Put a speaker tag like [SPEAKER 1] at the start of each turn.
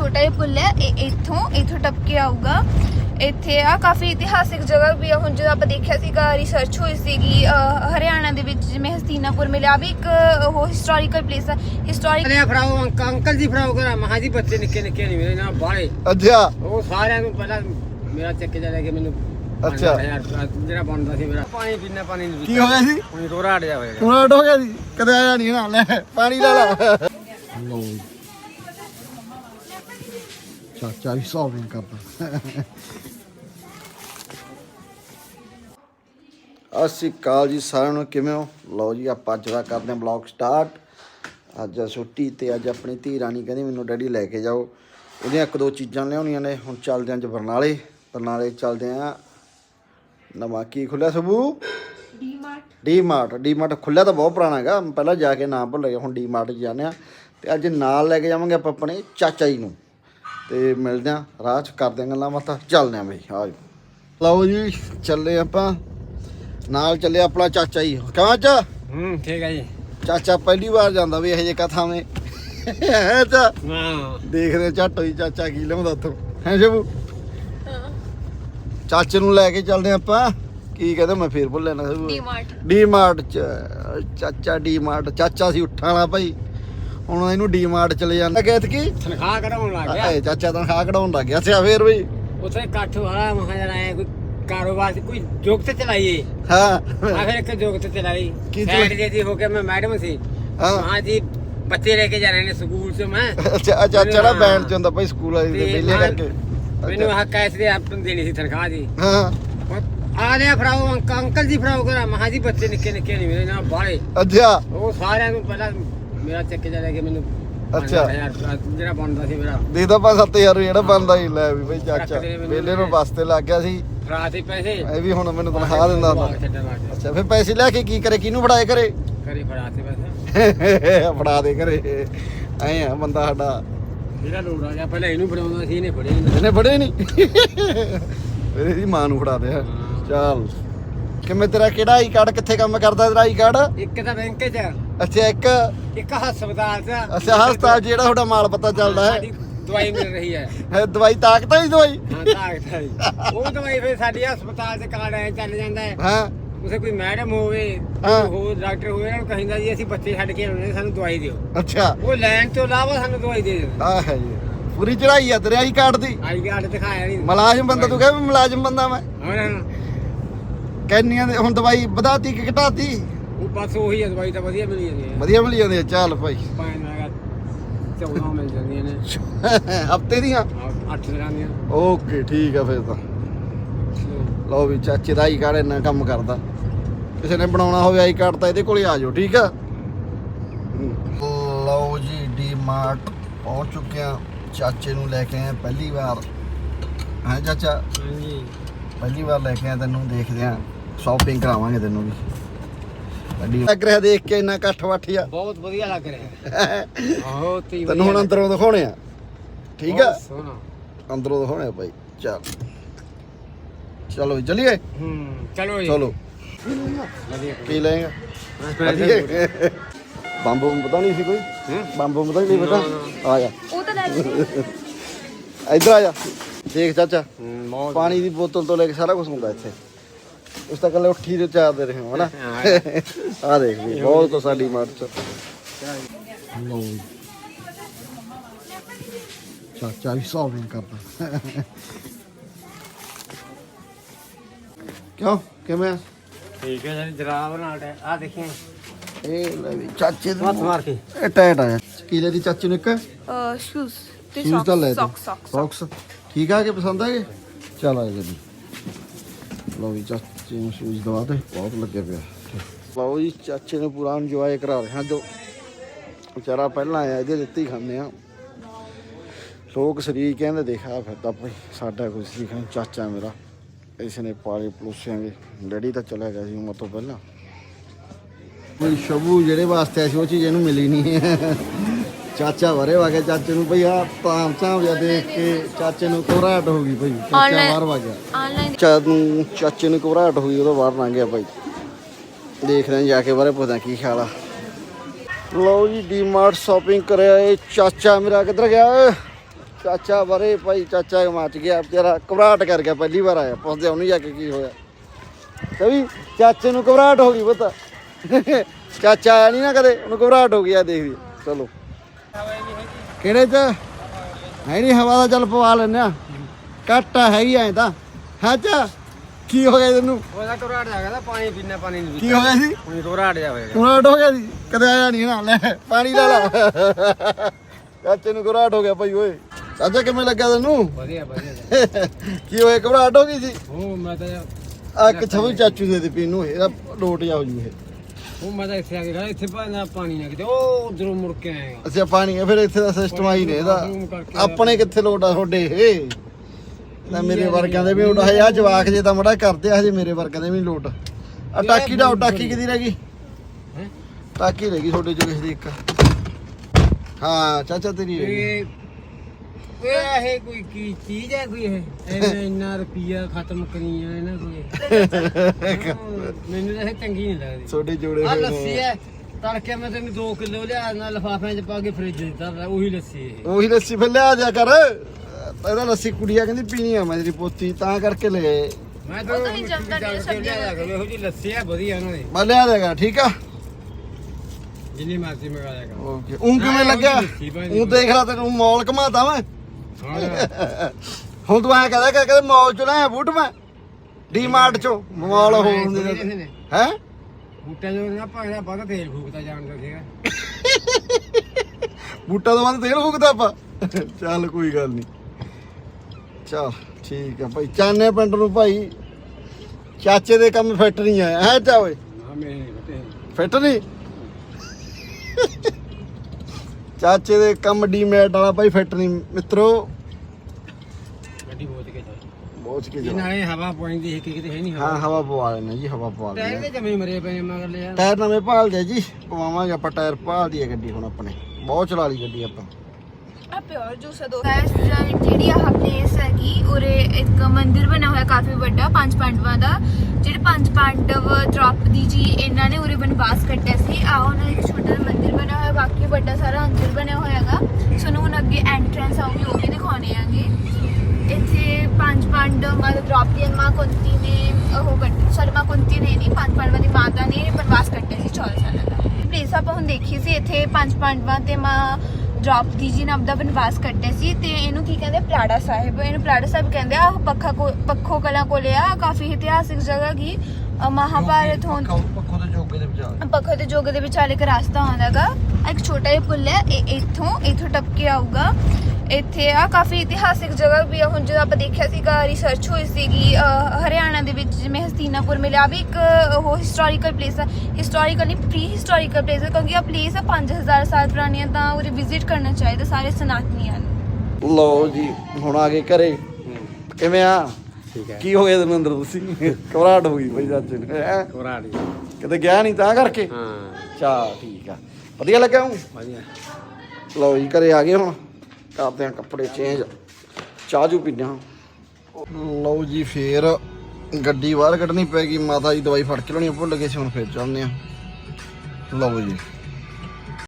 [SPEAKER 1] ਛੋਟਾ ਜਿਹਾ ਪੁੱਲ ਹੈ, ਇਹ ਇੱਥੋਂ ਟੱਪ ਕੇ ਆਊਗਾ। ਇੱਥੇ ਆ ਕਾਫੀ ਇਤਿਹਾਸਿਕ ਜਗ੍ਹਾ ਵੀ ਆ। ਹੁਣ ਜਦੋਂ ਆਪਾਂ ਦੇਖਿਆ ਸੀਗਾ ਰਿਸਰਚ ਹੋਈ ਸੀਗੀ ਹਰਿਆਣਾ ਦੇ ਵਿੱਚ, ਜਿਵੇਂ ਹਸਤੀਨਾਪੁਰ ਮਿਲਿਆ ਵੀ ਇੱਕ ਉਹ ਹਿਸਟੋਰੀਕਲ ਪਲੇਸ ਆ। ਹਿਸਟੋਰੀਕਲ
[SPEAKER 2] ਫੜਾਓ ਅੰਕਲ ਜੀ ਫੜਾਓ ਕਰਾ ਮਹਾਂ ਜੀ ਬੱਚੇ ਨਿੱਕੇ ਨਿੱਕੇ ਨਹੀਂ ਮੇਰੇ ਨਾਲ ਬਾਹਲੇ।
[SPEAKER 3] ਅੱਛਾ
[SPEAKER 2] ਉਹ ਸਾਰਿਆਂ ਨੂੰ ਪਹਿਲਾਂ ਮੇਰਾ ਚੱਕ ਜਾ ਲੈ ਕੇ ਮੈਨੂੰ
[SPEAKER 3] ਅੱਛਾ
[SPEAKER 2] ਜਿਹੜਾ ਬਣਦਾ ਸੀ ਮੇਰਾ ਪਾਣੀ ਪੀਣਾ ਪਾਣੀ ਨਹੀਂ
[SPEAKER 3] ਕੀ ਹੋ ਗਿਆ ਸੀ?
[SPEAKER 2] ਹੁਣ ਥੋੜਾ ਹਟ ਜਾ ਹੋਇਆ
[SPEAKER 3] ਹੁਣ ਹੋ ਗਿਆ ਸੀ, ਕਦੇ ਆਇਆ ਨਹੀਂ ਨਾ। ਲੈ ਪਾਣੀ ਲੈ ਲਾ। ਲੋ ਚਾਚਾ ਵੀ ਸੌਵਿੰਗ ਕਰਦਾ। ਅਸੀਂ ਕਾਲ ਜੀ ਸਾਰਿਆਂ ਨੂੰ, ਕਿਵੇਂ ਹੋ? ਲਓ ਜੀ ਆਪਾਂ ਅੱਜ ਦਾ ਕਰਦੇ ਹਾਂ ਬਲੌਗ ਸਟਾਰਟ। ਅੱਜ ਛੁੱਟੀ ਤੇ ਅੱਜ ਆਪਣੀ ਧੀ ਰਾਣੀ ਕਹਿੰਦੀ ਮੈਨੂੰ ਡੈਡੀ ਲੈ ਕੇ ਜਾਓ, ਉਹਦੀਆਂ ਇੱਕ ਦੋ ਚੀਜ਼ਾਂ ਲਿਆਉਣੀਆਂ ਨੇ। ਹੁਣ ਚੱਲਦੇ ਹਾਂ ਅੱਜ ਬਰਨਾਲੇ ਚੱਲਦੇ ਹਾਂ। ਨਵਾਂ ਕੀ ਖੁੱਲਿਆ ਸਬੂ? ਡੀ-ਮਾਰਟ ਖੁੱਲਿਆ ਤਾਂ ਬਹੁਤ ਪੁਰਾਣਾ ਹੈਗਾ, ਪਹਿਲਾਂ ਜਾ ਕੇ ਨਾਮ ਭੁੱਲ ਗਿਆ, ਹੁਣ ਡੀ-ਮਾਰਟ ਜਾਂਦੇ ਹਾਂ। ਤੇ ਅੱਜ ਨਾਲ ਲੈ ਕੇ ਜਾਵਾਂਗੇ ਆਪਾਂ ਆਪਣੇ ਚਾਚਾ ਜੀ ਨੂੰ, ਤੇ ਮਿਲਦੇ ਹਾਂ ਰਾਹ 'ਚ, ਕਰਦੇ ਹਾਂ ਗੱਲਾਂ ਬਾਤਾਂ, ਚੱਲਦੇ ਹਾਂ ਬਈ। ਆ ਲਓ ਜੀ ਚੱਲੇ ਆਪਾਂ, ਨਾਲ ਚੱਲੇ ਆਪਣਾ ਚਾਚਾ ਜੀ। ਕਿਵੇਂ ਚਾ?
[SPEAKER 2] ਠੀਕ ਹੈ ਜੀ।
[SPEAKER 3] ਚਾਚਾ ਪਹਿਲੀ ਵਾਰ ਜਾਂਦਾ ਵੀ ਇਹੋ ਜਿਹੇ ਕਥਾਵੇਂ ਚਾ ਦੇਖਦੇ ਝੱਟ ਹੋਈ ਚਾਚਾ ਕੀ ਲਿਆਉਂਦਾ ਉੱਥੋਂ, ਹੈ ਸ਼ਬੂ? ਚਾਚੇ ਨੂੰ ਲੈ ਕੇ ਚੱਲਦੇ ਆਪਾਂ। ਕੀ ਕਹਿੰਦੇ ਮੈਂ ਫੇਰ ਭੁੱਲਿਆ ਨਾ। ਡੀ-ਮਾਰਟ ਚ ਚਾਚਾ, ਡੀ-ਮਾਰਟ ਚਾਚਾ ਸੀ ਉੱਠਣ ਵਾਲਾ ਭਾਈ, ਹੁਣ ਇਹਨੂੰ ਡੀ-ਮਾਰਟ ਚਲੇ ਜਾਂਦਾ। ਕਹਿੰਦੇ ਕੀ
[SPEAKER 2] ਤਨਖਾਹ ਕਢਾਉਣ ਲੱਗ ਗਿਆ
[SPEAKER 3] ਚਾਚਾ, ਤਨਖਾਹ ਕਢਾਉਣ ਲੱਗ ਗਿਆ। ਅੱਛਾ ਫੇਰ ਬਈ
[SPEAKER 2] ਉੱਥੇ ਇਕੱਠ ਵਾਲਾ ਮਹਾਂ ਆਇਆ ਕੋਈ ਕਾਰੋਬਾਰ ਕੋਈ ਜੋਗ ਤੇ ਚਲਾਈਏ।
[SPEAKER 3] ਹਾਂ
[SPEAKER 2] ਆ ਫਿਰ ਇੱਕ ਜੋਗ ਤੇ ਚਲਾਈ ਸਾਈਡ ਦੇ ਹੋ ਕੇ ਮੈਂ ਮੈਡਮ ਸੀ। ਹਾਂ ਜੀ ਬੱਚੇ ਲੈ ਕੇ ਜਾ ਰਹੇ ਨੇ ਸਕੂਲ ਚ। ਮੈਂ
[SPEAKER 3] ਅੱਛਾ ਚਾਚਾ ਨਾ ਬੈਂਡ ਚ ਹੁੰਦਾ ਭਾਈ ਸਕੂਲ ਵਾਲੀ ਦੇ ਵਿਹਲੇ ਕਰਕੇ।
[SPEAKER 2] ਮੈਨੂੰ ਆਹ ਕੈਸ਼ ਦੇ ਆਪ ਦੇਣੀ ਸੀ ਤਨਖਾਹ ਦੀ।
[SPEAKER 3] ਹਾਂ
[SPEAKER 2] ਆ ਲਿਆ ਫੜਾਓ ਅੰਕਲ ਜੀ ਫੜਾਓ ਕਰਾ ਮਹਾਂ ਜੀ ਬੱਚੇ ਨਿੱਕੇ ਨਿੱਕੇ ਨਹੀਂ ਮੇਰੇ ਨਾਲ ਬਾਹਲੇ।
[SPEAKER 3] ਅੱਛਾ
[SPEAKER 2] ਉਹ ਸਾਰਿਆਂ ਨੂੰ ਪਹਿਲਾਂ ਮੇਰਾ ਚੱਕ ਜਾ ਲੈ ਕੇ ਮੈਨੂੰ
[SPEAKER 3] ਅੱਛਾ
[SPEAKER 2] ਜਿਹੜਾ ਬਣਦਾ ਸੀ ਮੇਰਾ
[SPEAKER 3] ਦੇ ਦੋ 5-7 ਜਿਹੜਾ ਬਣਦਾ ਹੀ। ਲੈ ਵੀ ਭਾਈ ਚਾਚਾ ਵੇਲੇ ਨੂੰ ਬੱਸ ਤੇ ਲੱਗ ਗਿਆ ਸੀ,
[SPEAKER 2] ਫੜਾ ਤੇ ਪੈਸੇ
[SPEAKER 3] ਇਹ ਵੀ ਹੁਣ ਮੈਨੂੰ ਤਨਖਾਹ ਦਿੰਦਾ ਹੁੰਦਾ। ਅੱਛਾ ਫਿਰ ਪੈਸੇ ਲੈ ਕੇ ਕੀ ਕਰੇ, ਕਿਹਨੂੰ ਫੜਾਏ ਘਰੇ?
[SPEAKER 2] ਕਰੀ ਫੜਾ ਤੇ ਪੈਸੇ
[SPEAKER 3] ਫੜਾ ਦੇ ਘਰੇ। ਐ ਆ ਬੰਦਾ ਸਾਡਾ
[SPEAKER 2] ਜਿਹੜਾ ਲੋੜ ਆ ਗਿਆ, ਪਹਿਲਾਂ ਇਹਨੂੰ ਫੜਾਉਂਦਾ ਸੀ, ਇਹਨੇ ਫੜੇ ਨਹੀਂ।
[SPEAKER 3] ਇਹਨੇ ਫੜੇ ਨਹੀਂ, ਫਿਰ ਇਹਦੀ ਮਾਂ ਨੂੰ ਫੜਾ ਦੇ। ਚੱਲ ਕਿਵੇਂ ਤੇਰਾ ਕਿਹੜਾ ਆਈ ਕਾਰਡ, ਕਿੱਥੇ ਕੰਮ ਕਰਦਾ ਤੇਰਾ ਆਈ ਕਾਰਡ?
[SPEAKER 2] ਇੱਕ ਤਾਂ ਬੈਂਕ 'ਚ।
[SPEAKER 3] ਅੱਛਾ
[SPEAKER 2] ਇੱਕ ਹਸਪਤਾਲ 'ਚ।
[SPEAKER 3] ਅੱਛਾ ਹਸਪਤਾਲ ਜਿਹੜਾ ਤੁਹਾਡਾ ਮਾਲ ਪਤਾ ਚੱਲਦਾ ਹੈ,
[SPEAKER 2] ਦਵਾਈ ਮਿਲ ਰਹੀ ਹੈ।
[SPEAKER 3] ਦਵਾਈ ਤਾਕਤ ਦੀ ਦਵਾਈ।
[SPEAKER 2] ਹਾਂ ਤਾਕਤ ਹੈ ਉਹ ਦਵਾਈ। ਫਿਰ ਸਾਡੀ ਹਸਪਤਾਲ 'ਚ ਕਾਰਡ ਐ ਚੱਲ ਜਾਂਦਾ ਹੈ।
[SPEAKER 3] ਹਾਂ
[SPEAKER 2] ਉਸੇ ਕੋਈ ਮੈਡਮ ਹੋਵੇ, ਹੋਰ ਡਾਕਟਰ ਹੋਵੇ, ਇਹਨਾਂ ਨੂੰ ਕਹਿੰਦਾ ਜੀ ਅਸੀਂ ਬੱਚੇ ਛੱਡ ਕੇ ਆਉਣੇ, ਸਾਨੂੰ ਦਵਾਈ ਦਿਓ।
[SPEAKER 3] ਅੱਛਾ
[SPEAKER 2] ਉਹ ਲੈਣ ਤੋਂ ਇਲਾਵਾ ਸਾਨੂੰ ਦਵਾਈ ਦੇ ਦਿਓ।
[SPEAKER 3] ਆਹ ਹੈ ਜੀ ਪੂਰੀ ਚੜਾਈ ਆ ਤੇਰੇ I card the.
[SPEAKER 2] I card ਦਿਖਾਇਆ ਨਹੀਂ।
[SPEAKER 3] ਮੁਲਾਜ਼ਮ ਬੰਦਾ ਤੂੰ ਕਹੇ ਮੁਲਾਜ਼ਮ ਬੰਦਾ ਮੈਂ।
[SPEAKER 2] ਹੁਣ
[SPEAKER 3] ਕੈਨੀਆਂ ਦੇ ਹੁਣ ਦਵਾਈ ਵਧਾਤੀ ਕਿ ਘਟਾਤੀ?
[SPEAKER 2] ਉਹ ਬਸ ਉਹੀ ਹੈ, ਦਵਾਈ ਤਾਂ ਵਧੀਆ ਮਿਲ ਜਾਂਦੀ ਹੈ।
[SPEAKER 3] ਵਧੀਆ ਮਿਲ ਜਾਂਦੀ ਹੈ। ਚੱਲ ਭਾਈ
[SPEAKER 2] 14 ਮਿਲ ਜਾਂਦੀਆਂ ਨੇ
[SPEAKER 3] ਹਫਤੇ ਦੀਆਂ
[SPEAKER 2] 8 ਦਿਨਾਂ ਦੀਆਂ।
[SPEAKER 3] ਓਕੇ ਠੀਕ ਆ ਫਿਰ ਤਾਂ। ਲਓ ਵੀ ਚਾਚੇ ਦਾ ਆਈ ਕਾਰਡ ਇੰਨਾ ਕੰਮ ਕਰਦਾ, ਕਿਸੇ ਨੇ ਬਣਾਉਣਾ ਹੋਵੇ ਆਈ ਕਾਰਡ ਤਾਂ ਇਹਦੇ ਕੋਲੇ ਆ ਜਾਓ। ਠੀਕ ਆ। ਲਓ ਜੀ ਡੀ-ਮਾਰਟ ਪਹੁੰਚ ਚੁੱਕੇ ਆ, ਚਾਚੇ ਨੂੰ ਲੈ ਕੇ ਆਏ ਪਹਿਲੀ ਵਾਰ। ਹਾਂ ਚਾਚਾ
[SPEAKER 2] ਹਾਂਜੀ
[SPEAKER 3] ਪਹਿਲੀ ਵਾਰ ਲੈ ਕੇ ਆਏ ਤੈਨੂੰ, ਦੇਖਦੇ ਆ ਸ਼ਾਪਿੰਗ ਕਰਾਵਾਂਗੇ ਤੈਨੂੰ ਵੀ। ਲੱਗ ਰਿਹਾ ਦੇਖ ਕੇ ਇੰਨਾ ਇਕੱਠ ਵੱਠਿਆ,
[SPEAKER 2] ਬਹੁਤ ਵਧੀਆ ਲੱਗ ਰਿਹਾ। ਬਹੁਤ ਹੀ
[SPEAKER 3] ਤੈਨੂੰ ਹੁਣ ਅੰਦਰੋਂ ਦਿਖਾਉਣੇ ਆ। ਠੀਕ ਆ
[SPEAKER 2] ਸੋਹਣਾ
[SPEAKER 3] ਅੰਦਰੋਂ ਦਿਖਾਉਣੇ ਆ ਭਾਈ। ਚੱਲ ਚਲੋ ਚੱਲੀਏ।
[SPEAKER 2] ਚਲੋ ਜੀ
[SPEAKER 3] ਚਲੋ ਕੀ ਲਏਗਾ? ਬੰਬ ਪਤਾ ਨਹੀਂ ਸੀ ਕੋਈ? ਬੰਬ ਪਤਾ ਨਹੀਂ ਪਤਾ? ਆ ਜਾ
[SPEAKER 1] ਉਹ ਤਾਂ ਲੈ
[SPEAKER 3] ਇੱਧਰ ਆ ਜਾ। ਦੇਖ ਚਾਚਾ ਪਾਣੀ ਦੀ ਬੋਤਲ ਤੋਂ ਲੈ ਕੇ ਸਾਰਾ ਕੁਝ ਹੁੰਦਾ ਇੱਥੇ। ਉਸ ਤੱਕ ਕੱਲੇ ਉੱਠੀ ਤੇ ਚਾਰਦੇ ਰਹੇ ਹੋ ਹਨਾ। ਆ ਦੇਖ ਵੀ ਬਹੁਤ ਕੁਛ ਸਾਡੀ ਮਾਰਟ ਚ। ਚਾਚਾ ਵੀ ਸ਼ਾਪਿੰਗ ਕਰਦਾ। ਕਿਉਂ ਕਿਵੇਂ?
[SPEAKER 2] ਠੀਕ ਹੈ ਜੀ। ਜਰਾਬ ਨਾਲ ਆ ਦੇਖੀਏ।
[SPEAKER 3] ਇਹ ਲੈ ਵੀ ਚਾਚੇ ਦੇ
[SPEAKER 2] ਹੱਥ ਮਾਰ ਕੇ
[SPEAKER 3] ਇਹ ਟਾਇਟ ਆ। ਕੀਲੇ ਦੀ ਚਾਚੀ ਨੂੰ ਇੱਕ
[SPEAKER 1] ਸ਼ੂਜ਼ ਤੇ
[SPEAKER 3] ਸ਼ੂਜ਼ ਤਾਂ ਲੈ ਦੇ।
[SPEAKER 1] ਸੌਕਸ
[SPEAKER 3] ਠੀਕ ਆ ਕਿ ਪਸੰਦ ਆ ਗਏ? ਚੱਲ ਆ ਜੀ। ਲਓ ਵੀ ਚਾਚੇ ਨੂੰ ਸ਼ੂਜ਼ ਦਵਾ ਤੇ ਬਹੁਤ ਲੱਗੇ ਪਿਆ। ਲਓ ਜੀ ਚਾਚੇ ਨੂੰ ਪੂਰਾ ਇੰਜੋਏ ਕਰਾ ਰਹੇ ਹਾਂ। ਜੋ ਵਿਚਾਰਾ ਪਹਿਲਾਂ ਆਇਆ ਇਹਦੇ ਦਿੱਤੀ ਖਾਂਦੇ ਆ। ਲੋਕ ਸਰੀਰ ਕਹਿੰਦੇ ਦੇਖਾ ਫਿਰਦਾ ਭਾਈ ਸਾਡਾ ਕੁਝ ਨਹੀਂ ਖਾਂ। ਚਾਚਾ ਮੇਰਾ ਇਸ ਨੇ ਪਾਲੇ ਪਲੋਸਿਆਂਗੇ। ਡੈਡੀ ਤਾਂ ਚਲਾ ਗਿਆ ਸੀ ਉਮਰ ਤੋਂ ਪਹਿਲਾਂ। ਕੋਈ ਸ਼ਬੂ ਜਿਹੜੇ ਵਾਸਤੇ ਆਇਆ ਸੀ ਉਹ ਚੀਜ਼ ਇਹਨੂੰ ਮਿਲੀ ਨਹੀਂ ਹੈ। ਚਾਚਾ ਵਰੇ ਵਾ ਗਿਆ ਚਾਚੇ ਨੂੰ ਭਈ ਆ ਤਾਮ ਚਾਮ ਜਿਹਾ ਦੇਖ ਕੇ ਚਾਚੇ ਨੂੰ ਘਬਰਾਹਟ ਹੋ ਗਈ ਭਾਈ। ਚਾਚਾ ਬਾਹਰ ਵਾ ਗਿਆ। ਚਾਚੇ ਨੂੰ ਘਬਰਾਹਟ ਹੋ ਗਈ, ਉਹਦਾ ਬਾਹਰ ਲੰਘ ਗਿਆ ਭਾਈ। ਦੇਖਦੇ ਹਾਂ ਜਾ ਕੇ ਬਾਰੇ ਪੁੱਛਦਾ ਕੀ ਖਿਆਲ ਆ। ਲਓ ਜੀ ਡੀ-ਮਾਰਟ ਸ਼ਾਪਿੰਗ ਕਰਿਆ। ਇਹ ਚਾਚਾ ਮੇਰਾ ਕਿੱਧਰ ਗਿਆ? ਚਾਚਾ ਬਾਰੇ ਭਾਈ ਚਾਚਾ ਮੱਚ ਗਿਆ ਵਿਚਾਰਾ, ਘਬਰਾਹਟ ਕਰ ਗਿਆ, ਪਹਿਲੀ ਵਾਰ ਆਇਆ, ਪੁੱਛਦੇ ਉਹਨੂੰ ਜਾ ਕੇ ਕੀ ਹੋਇਆ। ਕਵੀ ਚਾਚੇ ਨੂੰ ਘਬਰਾਹਟ ਹੋ ਗਈ ਪਤਾ, ਚਾਚਾ ਆਇਆ ਨਹੀਂ ਨਾ ਕਦੇ, ਉਹਨੂੰ ਘਬਰਾਹਟ ਹੋ ਗਈ ਆ ਦੇਖਦੀ। ਚਲੋ ਕਿਹੜੇ ਚ ਹੈ ਨਹੀਂ ਹਵਾ ਦਾ, ਚੱਲ ਪਵਾ ਲੈਨੇ ਆ, ਘੱਟ ਹੈਗੀ ਐ ਤਾਂ। ਹਾਂ ਚਾ ਕੀ ਹੋ ਗਿਆ ਤੈਨੂੰ?
[SPEAKER 2] ਉਹਦਾ ਘਬਰਾਹਟ ਜਾ ਗਿਆ, ਪਾਣੀ ਪੀਣਾ, ਪਾਣੀ ਨਹੀਂ
[SPEAKER 3] ਕੀ ਹੋ ਗਿਆ ਸੀ?
[SPEAKER 2] ਹੁਣ ਘਬਰਾਹਟ ਜਾ ਹੋਇਆ,
[SPEAKER 3] ਘਬਰਾਹਟ ਹੋ ਗਿਆ ਸੀ, ਕਦੇ ਆਇਆ ਨਹੀਂ ਨਾ, ਲੈ ਪਾਣੀ ਲੈ ਲਾ। ਚਾਚੇ ਨੂੰ ਘਬਰਾਹਟ ਹੋ ਗਿਆ ਭਾਈ ਓਏ। ਚਾਚਾ ਕਿਵੇਂ ਲੱਗਾ ਤੈਨੂੰ?
[SPEAKER 2] ਵਧੀਆ ਵਧੀਆ।
[SPEAKER 3] ਕੀ ਹੋਇਆ, ਘਬਰਾਹਟ ਹੋ ਗਈ ਸੀ?
[SPEAKER 2] ਉਹ ਮੈਂ ਤਾਂ
[SPEAKER 3] ਆ ਇੱਕ ਛਵੀ ਚਾਚੂ ਦੇ ਪੀਣ ਨੂੰ, ਇਹਦਾ ਲੋਟ ਜਾ ਹੋ ਜੂ ਇਹ।
[SPEAKER 2] ਉਹ ਮੈਂ ਤਾਂ ਇੱਥੇ ਆ ਕੇ ਖੜਾ, ਇੱਥੇ ਪਾਣੀ ਨਾ ਕਿਤੇ ਉਹ ਉਧਰੋਂ ਮੁੜ ਕੇ ਆਏਗਾ।
[SPEAKER 3] ਅੱਛਾ ਪਾਣੀ ਆ, ਫਿਰ ਇੱਥੇ ਦਾ ਸਿਸਟਮ ਆਈ ਨੇ ਇਹਦਾ, ਆਪਣੇ ਕਿੱਥੇ ਲੋਟ ਆ ਤੁਹਾਡੇ ਇਹ ਤਾਂ। ਮੇਰੇ ਵਰਗਿਆਂ ਦੇ ਵੀ ਲੋਟ ਹੈ ਆ, ਜਵਾਕ ਜੇ ਤਾਂ ਮੜਾ ਕਰਦੇ ਆ, ਹਜੇ ਮੇਰੇ ਵਰਗਿਆਂ ਦੇ ਵੀ ਲੋਟ ਆ। ਟਾਕੀ ਦਾ ਟਾਕੀ ਕਿਹਦੀ ਰਹਿ ਗਈ? ਟਾਕੀ ਰਹਿ ਗਈ ਤੁਹਾਡੇ ਚੋਂ ਕਿਸੇ ਦੀ ਇੱਕ। ਹਾਂ ਚਾਚਾ ਤੇਰੀ
[SPEAKER 2] ਇਹ ਕੋਈ ਕੀ ਚੀਜ਼ ਹੈ ਕੋਈ? ਇਹ ਇੰਨਾ ਰੁਪਈਆ ਖਤਮ ਕਰੀ ਜਾਏ ਨਾ ਕੋਈ। ਮੈਨੂੰ ਤਾਂ ਇਹ ਚੰਗੀ ਨਹੀਂ ਲੱਗਦੀ।
[SPEAKER 3] ਤੁਹਾਡੇ ਜੋੜੇ
[SPEAKER 2] ਆ ਲੱਸੀ ਹੈ, ਤੜਕੇ ਮੈਂ ਤੈਨੂੰ 2 ਕਿਲੋ ਲਿਆ, ਨਾਲ ਲਿਫਾਫਿਆਂ 'ਚ ਪਾ ਕੇ ਫ੍ਰਿਜ ਦਿੱਤਾ, ਉਹੀ ਲੱਸੀ ਹੈ।
[SPEAKER 3] ਉਹੀ ਲੱਸੀ ਫਿਰ ਲਿਆ ਦਿਆ ਕਰ। ਇਹਦਾ ਲੱਸੀ ਕੁੜੀਆ ਕਹਿੰਦੀ ਪੀਣੀ ਆ ਮੈਂ ਤੇਰੀ ਪੋਤੀ, ਤਾਂ ਕਰਕੇ ਲੈ ਆਏ।
[SPEAKER 2] ਮੈਂ ਤਾਂ ਨਹੀਂ ਜਮਦਾ ਨਹੀਂ ਸਬਜ਼ੀਆਂ ਇਹੋ ਜਿਹੀ ਲੱਸੀ ਹੈ ਵਧੀਆ ਉਹਨਾਂ ਦੀ।
[SPEAKER 3] ਮੈਂ ਲਿਆ ਦੇਗਾ, ਠੀਕ ਆ,
[SPEAKER 2] ਜਿੰਨੀ ਮਰਜ਼ੀ ਮੰਗਾ ਲਿਆ।
[SPEAKER 3] ਓਕੇ। ਉਹ ਕਿਵੇਂ ਲੱਗਿਆ? ਉਹ ਦੇਖ ਲਾ ਤੈਨੂੰ ਮੌਲ ਘਮਾਤਾ ਮੈਂ। ਹੁਣ ਤੂੰ ਐ ਕਹਦਾ ਮੌਲ ਚੋਂ ਲੈ ਬੂਟ ਮੈਂ, ਡੀਮਾਰਟ ਚੋਂ ਮੌਲ ਹੋ ਹੁੰਦੇ ਨੇ ਹੈ।
[SPEAKER 2] ਬੂਟਾਂ ਜੋ ਨਾ ਭਾਵੇਂ ਬਾਅਦ ਤੇਲ ਫੂਕਦਾ ਜਾਣਦਾ ਸੀਗਾ।
[SPEAKER 3] ਬੂਟਾਂ ਤੋਂ ਬਾਅਦ ਤੇਲ ਫੂਕਦਾ ਆਪਾਂ। ਚੱਲ ਕੋਈ ਗੱਲ ਨਹੀਂ, ਚੱਲ ਠੀਕ ਆ ਭਾਈ। ਚਾਨੇ ਪਿੰਡ ਨੂੰ ਭਾਈ ਚਾਚੇ ਦੇ ਕੰਮ ਫਿੱਟ ਨਹੀਂ ਆਇਆ ਹੈ ਚਾ ਓਏ? ਫਿੱਟ ਨਹੀਂ ਚਾਚੇ ਦੇ ਕੰਮ ਡੀਮੈਟ ਵਾਲਾ ਭਾਈ ਫਿੱਟ ਨਹੀਂ ਮਿੱਤਰੋ।
[SPEAKER 2] ਗੱਡੀ ਬੋਝ ਕੇ
[SPEAKER 3] ਬੋਝ ਕੇ
[SPEAKER 2] ਜਾ ਨਾਲੇ ਹਵਾ ਪਾਉਂਦੀ ਹੈ ਕਿਤੇ ਹੈ ਨਹੀਂ।
[SPEAKER 3] ਹਾਂ ਹਵਾ ਪਵਾ ਲੈਣਾ ਜੀ, ਹਵਾ ਪਵਾ
[SPEAKER 2] ਟਾਇਰ
[SPEAKER 3] ਲੈਣਾ।
[SPEAKER 2] ਤੇ ਜਮੇ ਮਰੇ ਪਏ ਮਗਰ ਲਿਆ।
[SPEAKER 3] ਟਾਇਰ ਨਵੇਂ ਭਾਲਦੇ ਜੀ, ਪਵਾਵਾਂਗੇ ਆਪਾਂ ਟਾਇਰ। ਭਾਲਦੀ ਹੈ ਗੱਡੀ ਹੁਣ ਆਪਣੇ, ਬਹੁਤ ਚਲਾ ਲਈ ਗੱਡੀ ਆਪਾਂ।
[SPEAKER 1] ਆ ਪਿਓਰ ਜੂਸ ਹੈ ਦੋ। ਜਿਹੜੀ ਆਹ ਪਲੇਸ ਹੈਗੀ ਉਰੇ ਇੱਕ ਮੰਦਿਰ ਬਣਿਆ ਹੋਇਆ ਕਾਫੀ ਵੱਡਾ, 5 ਪਾਂਡਵਾਂ ਦਾ। ਜਿਹੜੇ 5 ਪਾਂਡਵ ਦ੍ਰੌਪਦੀ ਜੀ ਇਹਨਾਂ ਨੇ ਉਰੇ ਬਨਵਾਸ ਕੱਟਿਆ ਸੀ। ਆ ਉਹਨਾਂ ਦਾ ਇੱਕ ਛੋਟਾ ਜਿਹਾ ਮੰਦਿਰ ਬਣਿਆ ਹੋਇਆ, ਬਾਕੀ ਵੱਡਾ ਸਾਰਾ ਅੰਦਰ ਬਣਿਆ ਹੋਇਆ ਹੈਗਾ। ਸਾਨੂੰ ਹੁਣ ਅੱਗੇ ਐਂਟਰੈਂਸ ਆਊਗੀ, ਉਹ ਵੀ ਦਿਖਾਉਣੇ ਆਂਗੇ। ਇੱਥੇ 5 ਪਾਂਡਵ ਮਾਤਾ ਦ੍ਰੌਪਦੀ ਮਾਂ ਕੁੰਤੀ ਨੇ ਉਹ ਕੱਟਿਆ, ਸੌਰੀ ਮਾਂ ਕੁੰਤੀ ਨੇ ਨਹੀਂ, 5 ਪਾਂਡਵਾਂ ਦੀ ਮਾਤਾ ਨੇ ਬਨਵਾਸ ਕੱਟਿਆ ਸੀ 14 ਸਾਲਾਂ ਦਾ। ਪਲੇਸ ਆਪਾਂ ਹੁਣ ਦੇਖੀ ਸੀ, ਇੱਥੇ 5 ਪਾਂਡਵਾਂ ਤੇ ਮਾਂ ਦ੍ਰੌਪਦੀ ਜੀ ਨੇ ਆਪਦਾ ਬਨਵਾਸ ਕੱਟਿਆ ਸੀ। ਤੇ ਇਹਨੂੰ ਕੀ ਕਹਿੰਦੇ, ਪਲਾੜਾ ਸਾਹਿਬ। ਇਹਨੂੰ ਪਲਾੜਾ ਸਾਹਿਬ ਕਹਿੰਦੇ ਆ। ਪੱਖੋ ਕਲਾਂ ਕੋਲੇ ਆ, ਕਾਫੀ ਇਤਿਹਾਸਿਕ ਜਗ੍ਹਾ ਗੀ। ਮਹਾਭਾਰਤ ਹੋਣ
[SPEAKER 3] ਪੱਖੋ ਤੇ ਜੋਗੇ ਦੇ ਵਿਚਾਲੇ,
[SPEAKER 1] ਪੱਖੋ ਤੇ ਜੋਗੇ ਦੇ ਵਿਚਾਲੇ ਇੱਕ ਰਸਤਾ ਆਉਂਦਾ ਗਾ। ਇੱਕ ਛੋਟਾ ਜਿਹਾ ਪੁੱਲ ਹੈ, ਇੱਥੋਂ ਟੱਪ ਕੇ ਆਊਗਾ। ਇੱਥੇ ਆ ਕਾਫੀ ਇਤਿਹਾਸਿਕ ਜਗ੍ਹਾ ਵੀ ਆ। ਹੁਣ ਜਦੋਂ ਆਪਾਂ ਦੇਖਿਆ ਸੀਗਾ, ਰਿਸਰਚ ਹੋਈ ਸੀਗੀ ਹਰਿਆਣਾ ਦੇ ਵਿੱਚ, ਜਿਵੇਂ ਹਸਤੀਨਾਪੁਰ ਮਿਲਿਆ ਵੀ ਇੱਕ ਉਹ ਹਿਸਟੋਰੀਕਲ ਪਲੇਸ ਆ। ਹਿਸਟੋਰੀਕਲ ਨਹੀਂ, ਪ੍ਰੀ ਹਿਸਟੋਰੀਕਲ ਪਲੇਸ ਹੈ, ਕਿਉਂਕਿ ਆ ਪਲੇਸ 5000 ਸਾਲ ਪੁਰਾਣੀਆਂ, ਤਾਂ ਉਰੇ ਵਿਜ਼ਿਟ ਕਰਨਾ ਚਾਹੀਦਾ ਸਾਰੇ ਸਨਾਤਨੀਆਂ ਨੂੰ।
[SPEAKER 3] ਲਓ ਜੀ ਹੁਣ ਆ ਗਏ ਘਰੇ। ਕਿਵੇਂ ਆ?
[SPEAKER 2] ਠੀਕ ਹੈ।
[SPEAKER 3] ਕੀ ਹੋ ਗਿਆ ਤੈਨੂੰ ਅੰਦਰ? ਤੁਸੀਂ ਘਬਰਾਹਟ ਹੋ ਗਈ ਬਈ ਚਾਚੇ ਨੂੰ?
[SPEAKER 2] ਘਬਰਾਹਟ
[SPEAKER 3] ਕਿਤੇ ਗਿਆ ਨਹੀਂ ਤਾਂ ਕਰਕੇ?
[SPEAKER 2] ਹਾਂ
[SPEAKER 3] ਚਾ ਠੀਕ ਆ, ਵਧੀਆ ਲੱਗਿਆ ਹੂੰ।
[SPEAKER 2] ਵਧੀਆ।
[SPEAKER 3] ਲਓ ਜੀ ਘਰੇ ਆ ਗਏ, ਹੁਣ ਕਰਦੇ ਆ ਕੱਪੜੇ ਚੇਂਜ, ਚਾਹ ਜੂ ਪੀਂਦੇ ਹਾਂ। ਲਓ ਜੀ ਫੇਰ ਗੱਡੀ ਬਾਹਰ ਕੱਢਣੀ ਪੈ ਗਈ, ਮਾਤਾ ਜੀ ਦਵਾਈ ਫੜ ਕੇ ਲਾਉਣੀ ਭੁੱਲ ਗਏ ਸੀ, ਹੁਣ ਫੇਰ ਚੱਲਦੇ ਆ। ਲਓ ਜੀ